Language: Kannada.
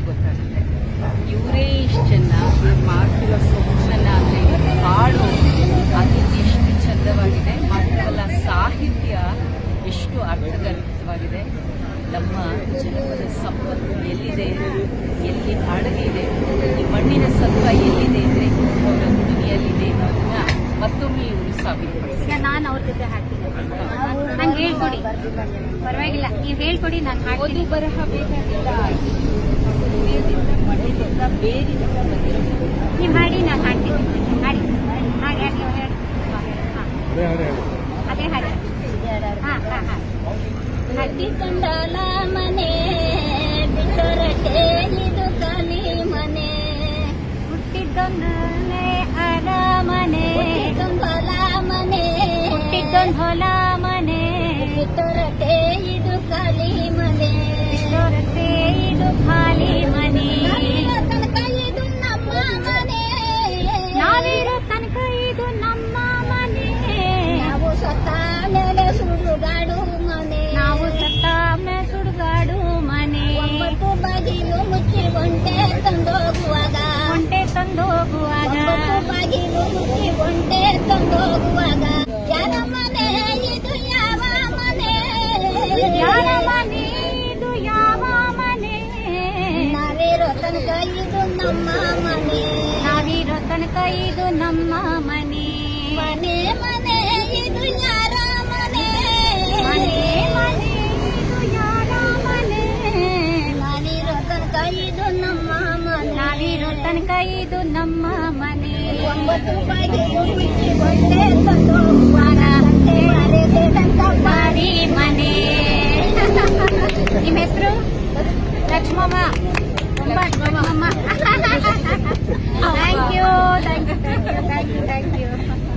ಗೊತ್ತಾಗುತ್ತೆ. ಇವರೇ ಇಷ್ಟು ಚೆನ್ನಾಗಿ ಮಾಡ್ತಿರೋ ಸೊಗಸನ್ನ ಅಂದರೆ ಹಾಡು ಅದು ಎಷ್ಟು ಚಂದವಾಗಿದೆ, ಮಾತ್ರವಲ್ಲ ಸಾಹಿತ್ಯ ಎಷ್ಟು ಅರ್ಥಗರ್ಭಿತವಾಗಿದೆ. ನಮ್ಮ ಜನಪದ ಸಂಪತ್ತು ಎಲ್ಲಿದೆ, ಎಲ್ಲಿ ಅಡಗಿದೆ, ಈ ಮಣ್ಣಿನ ಸತ್ವ ಎಲ್ಲಿದೆ ಅಂದರೆ ಅವರ ದುನಿಯಲ್ಲಿದೆ ಅನ್ನೋದನ್ನ ಮತ್ತೊಮ್ಮೆ ಇವರು ಸಾಬೀತುಪಡಿಸಿದ್ದಾರೆ. ನಾನು ಅವ್ರ ಜೊತೆ ಹಾಡ್ತೀನಿ, ನಂಗೆ ಹೇಳ್ಕೊಡಿ, ಪರವಾಗಿಲ್ಲ ನೀವು ಹೇಳ್ಕೊಡಿ, ನಾನು ಓದು ಬರಹ ಬೇಕಾಗಿಲ್ಲ, ಹೃದಯದಿಂದ ಮಣ್ಣಿನಿಂದ ಬೇರಿನಿಂದ ಬಂದಿರಬೇಕು. ನೀವು ಹಾಡಿ, ನಾನು ಹಾಡ್ತೀನಿ, ಹಾಡಿ ಹಾಡಿ ಹಾಡಿ ಹೇಳಿ, ಅದೇ ಹಾಡಿ. ಹಾಂ ಹಾಂ ಹಾಂ ಹಟ್ಟಿಕೊಂಡಲ ಮನೆ ಬಿಟ್ಟರಟೆ ಇದು ಕಲಿ ಮನೆ, ಹುಟ್ಟಿದ್ದೊಂದೊಂದೇ ಅರಮನೆ, ಹುಟ್ಟಿಕೊಂಡಲ ಮನೆ ಹುಟ್ಟಿದ್ದೊಂದು ಹೊಲ ಮನೆ, ಬಿಟ್ಟರಟೆ ಇದು ಕಲಿ ಮನೆ, ಬಿಟ್ಟರಟೆ ಇದು ಖಾಲಿ ಮನೆ, ತನಕ ಇದು ನಮ್ಮ ಮನೆ, ನಾವಿರೋ ತನಕ ಇದು ನಮ್ಮ ಮನೆ, ನಾವು ಸತ್ತ ಮೇಲೆ ಸುಡುಗಾಡು ಮನೆ, ನಾವು ಸತ್ತ ಮೇಲೆ ಸುಡುಗಾಡು ಮನೆ, ಒಂಬತ್ತು ಬಾಗಿಲು ಮುಚ್ಚಿ ಒಂಟೆ ತಂದೋಗುವಾಗ, ಒಂಟೆ ತಂದೋಗುವಾಗ, ಒಂಬತ್ತು ಬಾಗಿಲು ಮುಚ್ಚಿ ಒಂಟೆ ತಂದೋಗುವಾಗ, ಯಾರ ಮನೆ ಇದು ಯಾವ ಮನೆ, ಯಾರ ಮನೆ ಇದು ಯಾವ ಮನೆ, ನಾವಿರೋ ತನಕ ಇದು ನಮ್ಮ ಮನೆ, ನಾವಿರೋ ತನಕ ಇದು ನಮ್ಮ ಮನೆ, ಮನೆ ಮನೆ ಇದು ಯಾರ ಮನೆ, ಮನೆ ಮನೆ ಇದು ಯಾರ ಮನೆ, ನಾವಿರೋ ತನಕ ಇದು ನಮ್ಮ ಮನೆ, ನಾವಿರೋ ತನಕ ಇದು ನಮ್ಮ ಮನೆ, ಒಂಬತ್ತು ಬಾಗಿಲು ಮುಚ್ಚಿ ಒಂಟೆ ತಂದೋಗುವಾಗ, ಗಂಟೆ ಮರೆಸಿದಂತ ಬಾರಿ ಮನೆ. ನಿಮ್ಮ ಹೆಸರು? Lakshmamma. Lakshmamma. Thank you thank you thank you thank you thank you.